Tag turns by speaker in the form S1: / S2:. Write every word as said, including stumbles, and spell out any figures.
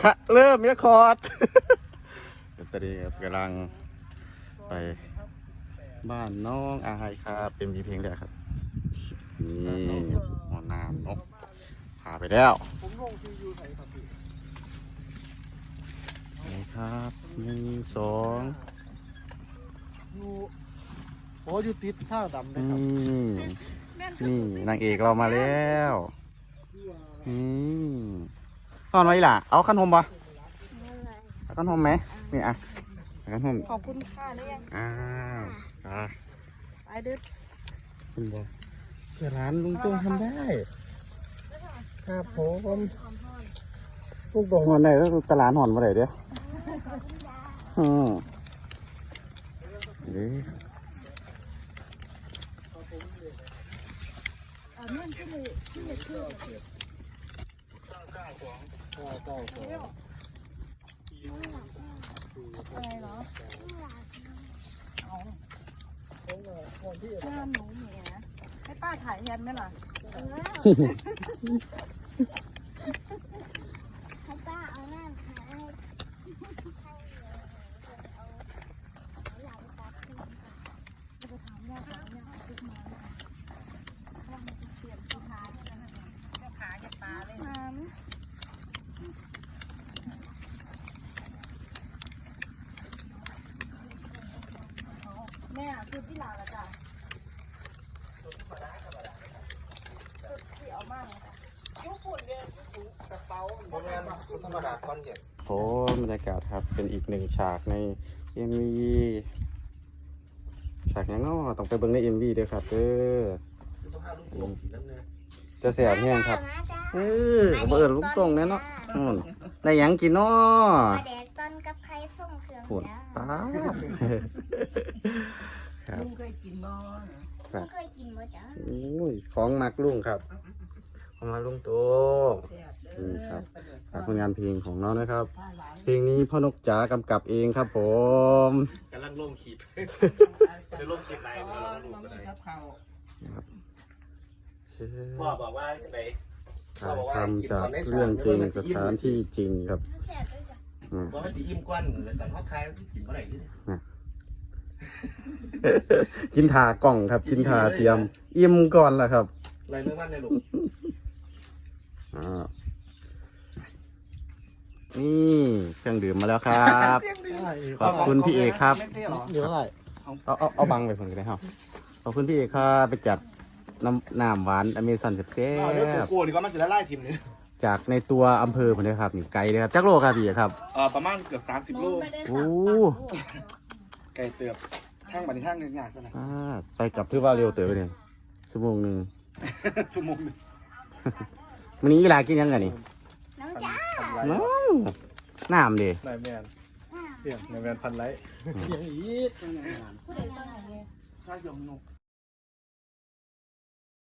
S1: ค่ะเริ่มเมียคอร์ดตอนนี้กำลังไปบ้านน้องอายครับเป็นมีเพลงแรกครับนี่หมอน้ำนกพาไปแล้ว
S2: ผมลงทียูไทยครับพี่
S1: นี่ครับหนึ่งสอง
S2: ยูโอ้ยูติดท่าดำเลยครั
S1: นี่
S2: บ
S1: นี่นางเอกเรามาแล้วนี่ตอนไว้ล่ะเอาขนมปะเอาขนมไหมนี่อ่ะเอาขนม
S3: ขอบคุณค่ะได้ยัง
S1: อ้าวอ่ะ
S3: ไปเด้อ
S1: คุณบอกเร้านลุงตุ้งทำได้ครับผมลูกดงหอนไหนแล้วตลาดหอนมาไหนเด้ออืมนี่
S3: อ่าเมื่อที่เลยที่เลยชื่ออะไรเหรอเอาเพื่อนหนูเหมียให้ป้าถ่ายแทนไหมล่ะ
S4: ให้ป้าเอาหน้าค่ะให้ให้เอาหลานตัดขึ้น
S3: จะไปถามย่าถามย่าเอาขึ้นมาว่ามันจะเปลี่ยนสีขาเนี่ยนะเจ้าขาจะตาเลยน้ำแม่ชุดที่หลานละจ้ะชุดที่เอามากเลยชุดฝุ่นเนี่ยชุดกระเป๋า
S2: โรงงานธรรมดาคอนเย็น
S1: โอ้บรรยากาศครับเป็นอีกหนึ่งฉากในเอ็มวีฉากยังง้อต้องไปเบิ่งในเอ็มวีด้วยครับเด้อ
S2: ต้องห้าลูกโป่งสีน้ำเงิน
S1: จะเสียบแห้งครับ
S4: มาจ้า
S1: เออเบิดลูกตรงแน่เนาะอืมได้หยังกินเนาะ
S4: ปลาแดกต้นกับไข่ส้มเครื่อง
S1: ปวด
S4: จ้า
S1: ป้าครับ
S3: ลุงเคยกินบ่
S4: ไม่เคยกินมั้จ้า
S1: โอ้ยของมักลุงครับของมักลุงโตนี่ครับฝากผลงานเพลงของน้องนะครับ เพลงนี้พ่อนกจ๋ากำกับเองครับผม
S2: กำลังล่มขีดในล่มขีดไหนเราลูกก็ได้พ่อบอกว่าไหน
S1: ถ่ายทำจากเรื่องจริงสถานที่จริงครับ
S4: แซ่บด้วยจ้ะ
S1: อืม
S2: บอกว่าจะอิ่มก้อนเลยแต่เขาทายกินเมื่อไหร่นี่
S1: กินทากล่องครับกินทาเตรียมอิ่มก่อนล่ะครับ
S2: อะไรเมื่อวันในลูก
S1: อ่านี่เครื่องดื่มมาแล้วครับ ขอบคุณพี่เอกครับ
S2: เดี๋ยวอะไร
S1: เอาเอาเอาบังไปคนก็ได้ครับขอบคุณพี่เอกครับไปจัดน้ำน้ำหวานอเมซอนเซ่
S2: เดี๋ยวตัว
S1: บ
S2: โกนี่ก็มันจะไล่ทีมนี้
S1: ๆจากในตัวอำเภอผมเลยครับนี่ไกลเลยครับจักโลครับพี่เอกครับ
S2: เอ่อประมาณเกือบสามสิบโล
S1: โอ้
S2: ไก่เตือบทั้งบันทั้งเนื้อย่างซะนะ
S1: อ่าไปกลับถือว่าเร็วเต๋อเนี่ยชั่วโมงหนึ่ง
S2: ชั่วโมงนึง
S1: วันนี้เวลากินยังไงนี่
S4: น้องจ้า
S1: น้ำน้ำดิ
S2: นายแมนเสียงนายแมนพันไลท์เสียงอีด
S3: ผู้ใดสร้างอะไร
S2: ชายยงนก